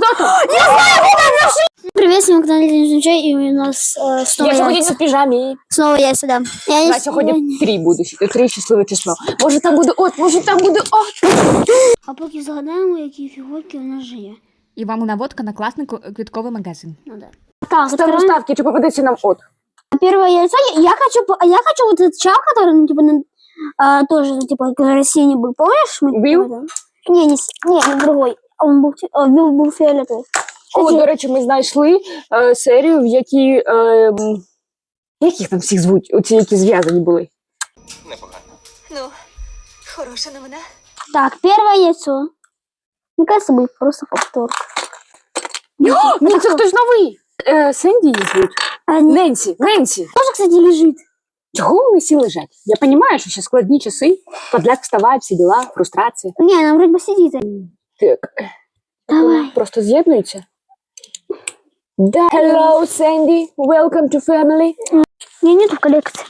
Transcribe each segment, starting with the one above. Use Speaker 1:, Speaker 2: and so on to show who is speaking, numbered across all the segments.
Speaker 1: там?
Speaker 2: Я знаю, куда нашли! Привет, сегодня на канале Чай, и у нас снова
Speaker 1: Я сьогодні
Speaker 2: яйца.
Speaker 1: в піжамі.
Speaker 2: Снова яйца, да.
Speaker 1: На сьогодні 3 буде. 3 щасливе число. Може там буде от, може там буде от.
Speaker 2: А поки згадаємо, які фігурки у нас же є.
Speaker 3: І вам наводка на класний квітковий магазин.
Speaker 2: Ну да. Так,
Speaker 1: Ставимо
Speaker 2: открываем.
Speaker 1: ставки, чи попадеться нам от.
Speaker 2: Первое яйцо. Я хочу вот этот чал, который, ну, типа, тоже, ну, типа, который синий был. Помнишь?
Speaker 1: Бил?
Speaker 2: Не другой. Он был фиолетовый.
Speaker 1: О, до речі, ми знайшли серію, в якій... Як їх там всіх звуть? Оці, які зв'язані були.
Speaker 4: Непогано.
Speaker 5: Ну, хороша новина.
Speaker 2: Так, первое яйцо. Мне кажется, будет просто повтор.
Speaker 1: Ні, це хтось новий. Сенді її звуть. Ненсі.
Speaker 2: Тоже, кстати, лежит.
Speaker 1: Чого вони всі лежать? Я розумію, що ще складні часи, подляк вставає, всі діла, фрустрація.
Speaker 2: Не, она вроде бы сидит.
Speaker 1: Так.
Speaker 2: Давай.
Speaker 1: Просто з'єднуються. Да. Hello, Sandy. Welcome to family.
Speaker 2: Мне нету в коллекции.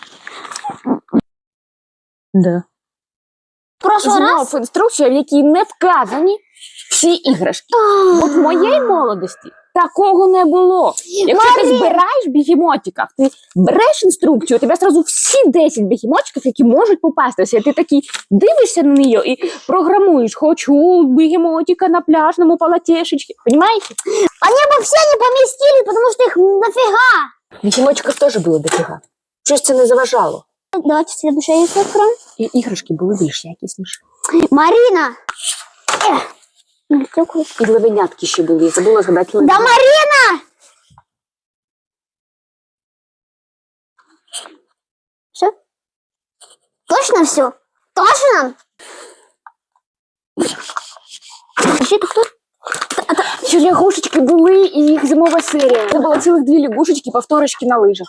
Speaker 1: Да.
Speaker 2: В прошлый раз...
Speaker 1: Знов інструкція, в якій не вказані всі іграшки. От в моєї молодості такого не було. Якщо ти збираєш бігемотиків, ти береш інструкцію, у тебе одразу всі 10 бігемотиків, які можуть попастися. І ти такий дивишся на неї і програмуєш. Хочу бігемотика на пляжному полотешечці. Понимаете?
Speaker 2: Они бы все не поместились, потому что их нафига.
Speaker 1: Бігемотиків теж було дофіга. Щось це не заважало.
Speaker 2: Давайте следующее яйцо откроем.
Speaker 1: І іграшки були більш якісніші.
Speaker 2: Марина!
Speaker 1: І левенятки ще були. Я забула згадати
Speaker 2: Да,
Speaker 1: левенятки.
Speaker 2: Марина! Все? Точно все? Точно? Вообще, это кто?
Speaker 1: Ще лягушечки були, і їх зимова серія. Це було цілих 2 лягушечки, повторочки на лижах.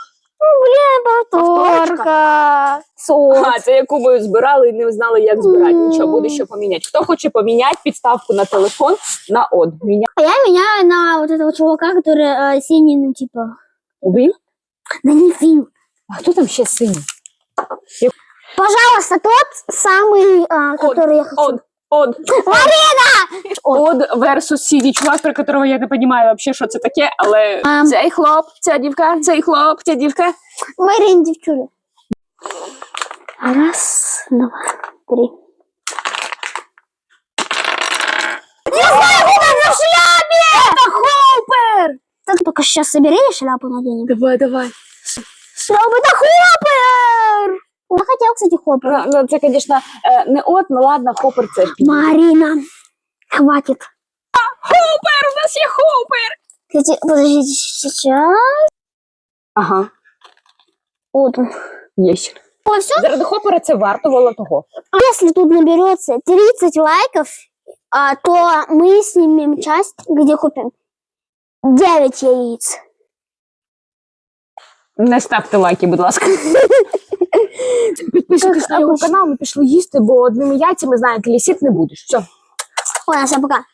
Speaker 2: Повторка.
Speaker 1: А, це яку ми збирали і не знали, як збирати. Нічого, буде що поміняти. Хто хоче поміняти підставку на телефон на од?
Speaker 2: А я меняю на вот этого чувака, который синий, ну типа...
Speaker 1: Ви?
Speaker 2: Да не Фил.
Speaker 1: А хто там ще синій?
Speaker 2: Пожалуйста, тот самый, который я хочу.
Speaker 1: Од.
Speaker 2: Марина!
Speaker 1: Од versus синій чувак, про которого я не розумію вообще, що це таке, але цей хлоп, ця дівка, цей хлоп, ця дівка.
Speaker 2: Марина, девчуля. Раз, два, три. Я знаю, куда на шляпе! Это Хоппер! Так только сейчас собери и шляпу наденем.
Speaker 1: Давай.
Speaker 2: Шляпа, это Хоппер! Я хотел, кстати, Хоппер.
Speaker 1: Ну, це, звісно, не от, ну ладно, хопер це ж.
Speaker 2: Марина, хватит.
Speaker 1: Хопер, у нас є хопер!
Speaker 2: Кстати, подождите, сейчас.
Speaker 1: Ага,
Speaker 2: Вот он.
Speaker 1: є ще.
Speaker 2: О, все?
Speaker 1: Заради хопера це вартувало того.
Speaker 2: Если тут наберется 30 лайков, то мы снимем часть, где купим 9 яиц.
Speaker 1: Не ставте лайки, будь ласка. Підписуйтесь на його канал, ми пішли їсти, бо одними яйцями, знаєте, лісіт не будеш. Все.
Speaker 2: Ладно, всем пока.